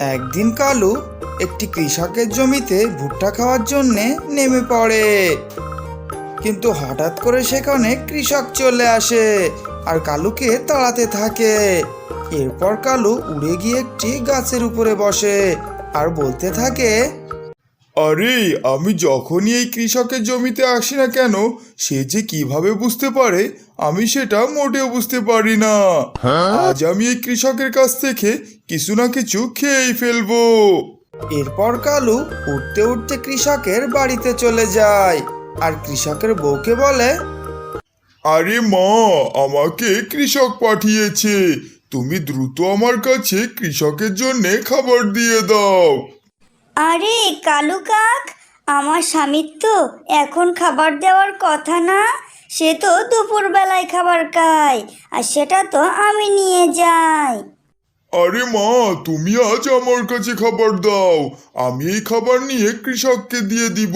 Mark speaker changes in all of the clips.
Speaker 1: একদিন কালু একটি কৃষকের জমিতে ভুট্টা খাওয়ার জন্যে নেমে পড়ে, কিন্তু হঠাৎ করে সেখানে কৃষক চলে আসে আর কালুকে তাড়াতে থাকে। এরপর কালু উড়ে গিয়ে একটি গাছের উপরে বসে আর বলতে থাকে,
Speaker 2: আরে আমি যখনই এই কৃষকের জমিতে আসি না কেন, সে যে কিভাবে বুঝতে পারে আমি সেটা মোটেও বুঝতে পারি না। আজ আমি এই কৃষকের কাছ থেকে কিছু না কিছু খেয়েই ফেলবো।
Speaker 1: এরপর কালু উঠতে উঠতে কৃষকের বাড়িতে চলে যায় আর কৃষকের বউকে বলে,
Speaker 2: আরে মা, আমাকে কৃষক পাঠিয়েছে, তুমি দ্রুত আমার কাছে কৃষকের জন্য খাবার দিয়ে দাও।
Speaker 3: আরে কালু কাক, আমার স্বামীর তো এখন খাবার দেওয়ার কথা না। সে তো দুপুরবেলায় খাবার খায়, আর সেটা তো আমি নিয়ে যাই।
Speaker 2: আরে মা, তুমি আজ আমার কাছে খাবার দাও, আমি এই খাবার নিয়ে কৃষককে দিয়ে দিব।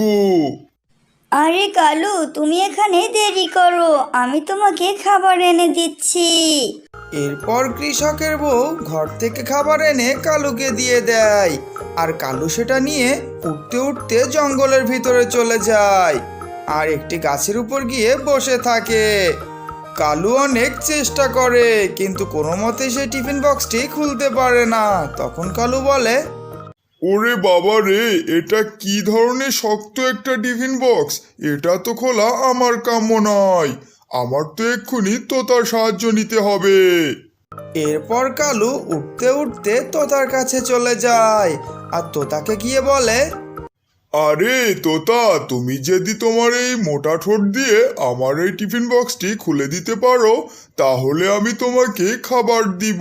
Speaker 3: আরে কালু, তুমি এখানে দেরি করো, আমি তোমাকে খাবার এনে দিচ্ছি।
Speaker 1: এরপর কৃষকের বউ ঘর থেকে খাবার এনে কালুকে দিয়ে দেয় আর কালু সেটা নিয়ে উঠতে উঠতে জঙ্গলের ভিতরে চলে যায় আর একটি গাছের উপর গিয়ে বসে থাকে। কালু অনেক চেষ্টা করে, কিন্তু কোনো মতে সে টিফিন বক্সটি খুলতে পারে না। তখন কালু বলে,
Speaker 2: ওরে বাবা রে, এটা কি ধরনের শক্ত একটা টিফিন বক্স! এটা তো খোলা আমার কাম্য নয়, আমার তো এক্ষুনি তোতার সাহায্য নিতে হবে।
Speaker 1: এরপর কালু উঠতে উঠতে তোতার কাছে চলে যায় আর তোতাকে গিয়ে বলে,
Speaker 2: আরে তোতা, তুমি যদি তোমার এই মোটা ঠোঁট দিয়ে আমার এই টিফিন বক্সটি খুলে দিতে পারো, তাহলে আমি তোমাকে খাবার দিব।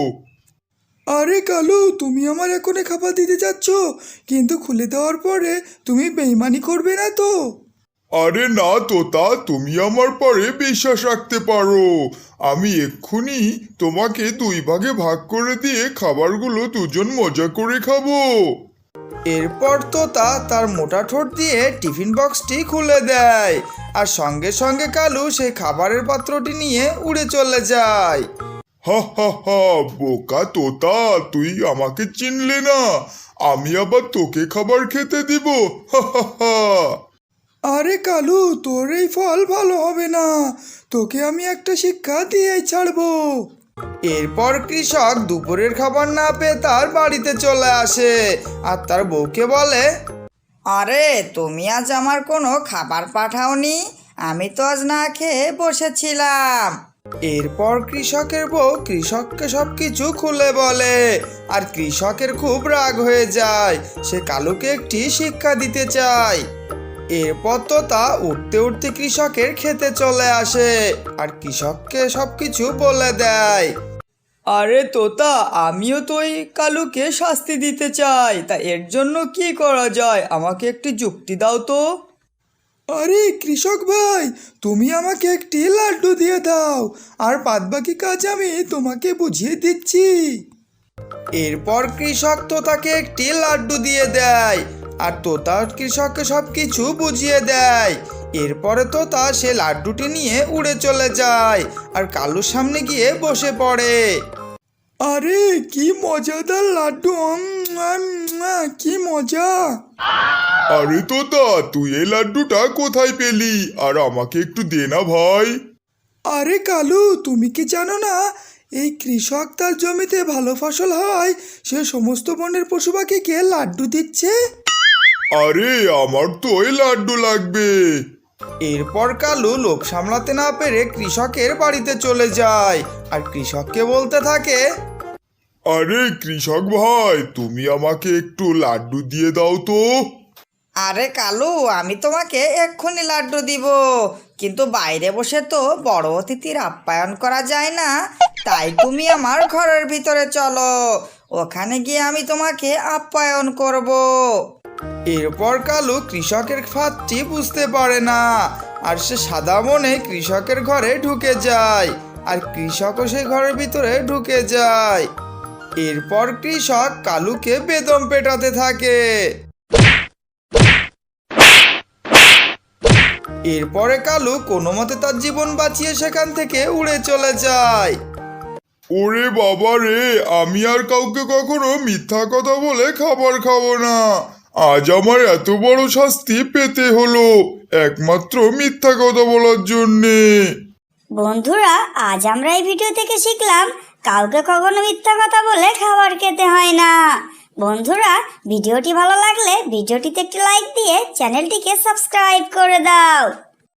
Speaker 1: আরে কালু, তুমি আমার এখনই খাবার দিতে যাচ্ছ, কিন্তু খুলে দেওয়ার পরে তুমি বেইমানি করবে না তো?
Speaker 2: আরে না তোতা, তুমি আমার পরে বিশ্বাস রাখতে পারো, আমি এক্ষুনি তোমাকে 2 ভাগে ভাগ করে দিয়ে খাবারগুলো দুজন মজা করে খাবো।
Speaker 1: এরপর তোতা তার মোটা ঠোঁট দিয়ে টিফিন বক্সটি খুলে দেয় আর সঙ্গে সঙ্গে কালু সেই খাবারের পাত্রটি নিয়ে উড়ে চলে যায়।
Speaker 2: হা হা হা, বোকা তোতা, তুই আমাকে চিনলে না, আমি আবার তোকে খাবার খেতে দিব। হা হা হা।
Speaker 1: আরে কালু, তোর এই ফল ভালো হবে না, তোকে আমি একটা শিক্ষা দিয়েই ছাড়বো। এরপর কৃষক দুপুরের খাবার না পেয়ে তার বাড়িতে চলে আসে আর তার বউকে বলে,
Speaker 4: আরে তুমি আজ আমার কোনো খাবার পাঠাওনি, আমি তো আজ না খেয়ে বসেছিলাম।
Speaker 1: এরপর কৃষকের বউ কৃষককে সবকিছু খুলে বলে আর কৃষকের খুব রাগ হয়ে যায়। সে কালুকে একটি শিক্ষা দিতে চায়। এরপর তো তা উঠতে উঠতে কৃষকের খেতে চলে আসে আর কৃষককে সবকিছু বলে দেয়। আরে তোতা, আমিও তো এই কালুকে শাস্তি দিতে চাই, তা এর জন্য কি করা যায়, আমাকে একটি যুক্তি দাও তো। আরে কৃষক ভাই, তুমি আমাকে একটি লাড্ডু দিয়ে দাও, আর বাদবাকি কাজ আমি তোমাকে বুঝিয়ে দিচ্ছি। এরপর কৃষক তোতাকে একটি লাড্ডু দিয়ে দেয় আর তোতা কৃষককে সব কিছু বুঝিয়ে দেয়। এরপরে তোতা সে লাড্ডুটি নিয়ে উড়ে চলে যায় আর কালুর সামনে গিয়ে বসে পড়ে। আরে কি মজাদার লাড্ডু, কি মজা!
Speaker 2: আরে তোতা, তুই এই লাড্ডুটা কোথায় পেলি, আর আমাকে একটু দে না ভাই।
Speaker 1: আরে কালু, তুমি কি জানো না, এই কৃষক তার জমিতে ভালো ফসল হয় সে সমস্ত বনের পশু পাখিকে লাড্ডু দিচ্ছে।
Speaker 2: আরে আমার তো ওই লাড্ডু লাগবে।
Speaker 1: এরপর কালু লোভ সামলাতে না পেরে কৃষকের বাড়িতে চলে যায় আর কৃষককে বলতে থাকে,
Speaker 2: আরে কৃষক ভাই, তুমি আমাকে একটু লাড্ডু দিয়ে দাও তো।
Speaker 4: আরে কালু, আমি তোমাকে এক্ষুনি লাড্ডু দিব, কিন্তু বাইরে বসে তো বড় অতিথির আপ্যায়ন করা যায় না, তাই তুমি আমার ঘরের ভিতরে চলো, ওখানে গিয়ে আমি তোমাকে আপ্যায়ন করব।
Speaker 1: এরপর কালু কৃষকের ফাঁদটি বুঝতে পারে না আর সে সাদা মনে কৃষকের ঘরে ঢুকে যায় আর কৃষকও সেই ঘরের ভিতরে ঢুকে যায়। এরপর কৃষক কালুকে বেদম পেটাতে থাকে। এরপরে কালু কোনো মতে তার জীবন বাঁচিয়ে সেখান থেকে উড়ে চলে যায়।
Speaker 2: ওরে বাবা রে, আমি আর কাউকে কখনো মিথ্যা কথা বলে খাবার খাবো না। আজ আমার এত বড় শাস্তি পেতে হলো একমাত্র মিথ্যা কথা বলার জন্যে।
Speaker 3: বন্ধুরা, আজ আমরা এই ভিডিও থেকে শিখলাম কাউকে কখনো মিথ্যা কথা বলে খাবার খেতে হয় না। বন্ধুরা, ভিডিওটি ভালো লাগলে ভিডিওটিতে একটি লাইক দিয়ে চ্যানেলটিকে সাবস্ক্রাইব করে দাও।